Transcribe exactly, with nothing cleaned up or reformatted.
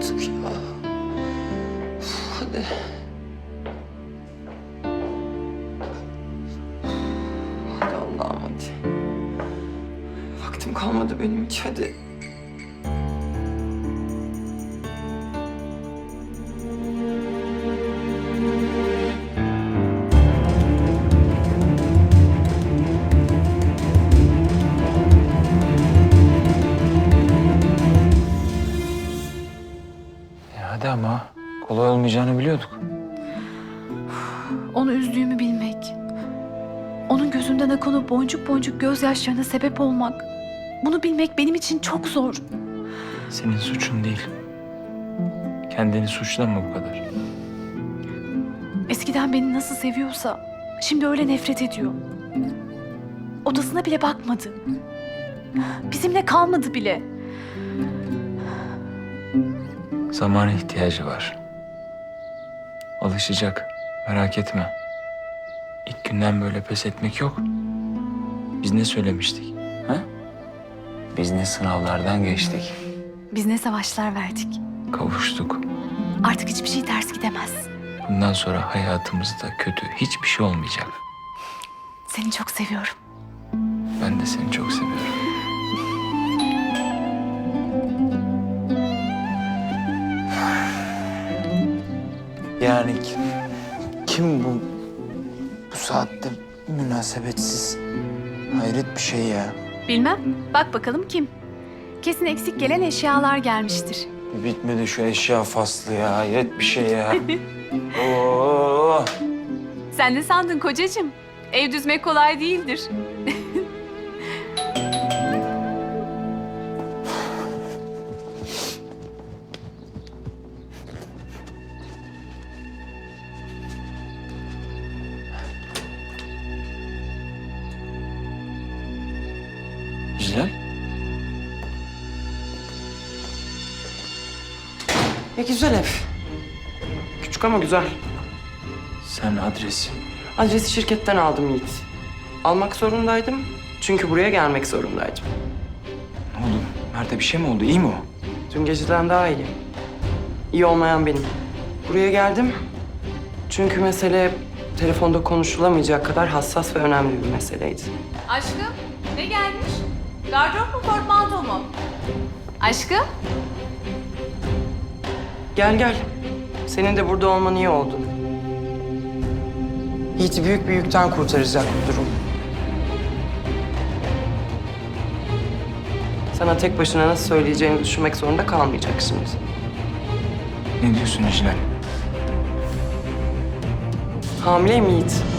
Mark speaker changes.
Speaker 1: artık ya. Uf, hadi. Hadi Allah'ım hadi. Vaktim kalmadı benim hiç, hadi.
Speaker 2: Hadi ama kolay olmayacağını biliyorduk.
Speaker 3: Onu üzdüğümü bilmek, onun gözünden akan o boncuk boncuk gözyaşlarına sebep olmak, bunu bilmek benim için çok zor.
Speaker 2: Senin suçun değil. Kendini suçlama bu kadar.
Speaker 3: Eskiden beni nasıl seviyorsa şimdi öyle nefret ediyor. Odasına bile bakmadı. Bizimle kalmadı bile.
Speaker 2: Zamana ihtiyacı var. Alışacak. Merak etme. İlk günden böyle pes etmek yok. Biz ne söylemiştik? Ha? Biz ne sınavlardan geçtik.
Speaker 3: Biz ne savaşlar verdik.
Speaker 2: Kavuştuk.
Speaker 3: Artık hiçbir şey ters gidemez.
Speaker 2: Bundan sonra hayatımızda kötü hiçbir şey olmayacak.
Speaker 3: Seni çok seviyorum.
Speaker 2: Ben de seni çok seviyorum. Yani kim, kim bu bu saatte münasebetsiz? Hayret bir şey ya.
Speaker 3: Bilmem. Bak bakalım kim? Kesin eksik gelen eşyalar gelmiştir.
Speaker 2: Bitmedi şu eşya faslı ya. Hayret bir şey ya. Oo.
Speaker 3: Sen ne sandın kocacığım? Ev düzmek kolay değildir.
Speaker 2: Güzel.
Speaker 1: Ne güzel ev. Küçük ama güzel.
Speaker 2: Sen adresi.
Speaker 1: Adresi şirketten aldım Yiğit. Almak zorundaydım. Çünkü buraya gelmek zorundaydım.
Speaker 2: Ne oldu? Mert'e bir şey mi oldu? İyi mi o?
Speaker 1: Dün geceden daha iyi. İyi olmayan benim. Buraya geldim. Çünkü mesele telefonda konuşulamayacak kadar hassas ve önemli bir meseleydi.
Speaker 3: Aşkım, ne gelmiş? Gardırop mu, portmanto mu? Aşkım?
Speaker 1: Gel gel. Senin de burada olman iyi oldu. Yiğit'i büyük bir yükten kurtaracak bu durum. Sana tek başına nasıl söyleyeceğini düşünmek zorunda kalmayacak şimdi.
Speaker 2: Ne diyorsun İclal?
Speaker 1: Hamileyim Yiğit.